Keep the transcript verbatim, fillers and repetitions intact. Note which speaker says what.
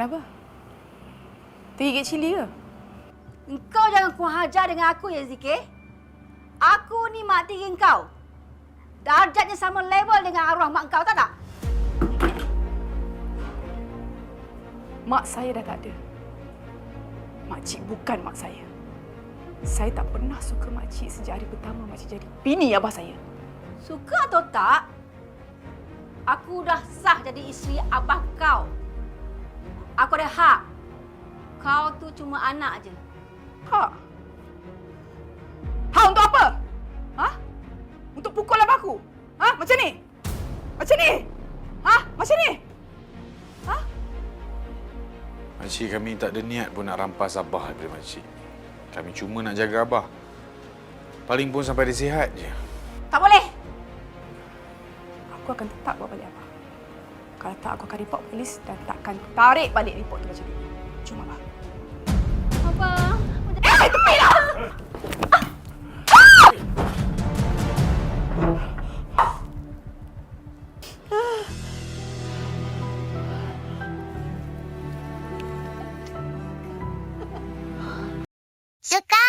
Speaker 1: Kenapa? Tergigit cili ke?
Speaker 2: Engkau jangan kurang ajar dengan aku ya, Zikir. Aku ni mak tiri engkau. Darjatnya sama level dengan arwah mak engkau, tak tak?
Speaker 1: Mak saya dah tak ada. Makcik bukan mak saya. Saya tak pernah suka makcik sejak hari pertama makcik jadi bini abah saya.
Speaker 2: Suka atau tak, aku dah sah jadi isteri abah kau. Aku ada hak. Kau tu cuma anak je.
Speaker 1: Hak? Hak untuk apa? Ha? Untuk pukul abahku? Ha? Macam ni? Macam ni? Ha? Macam ni? Ha?
Speaker 3: Makcik, kami tak ada niat pun nak rampas abah daripada makcik. Kami cuma nak jaga abah. Paling pun sampai dia sihat je.
Speaker 2: Tak boleh.
Speaker 1: Aku akan tetap bawa balik abah. Kalau tak, aku akan report polis dan takkan tarik balik report tu macam ni. Cuma abah.
Speaker 2: Abah.
Speaker 1: Eh, tepilah!
Speaker 4: Suka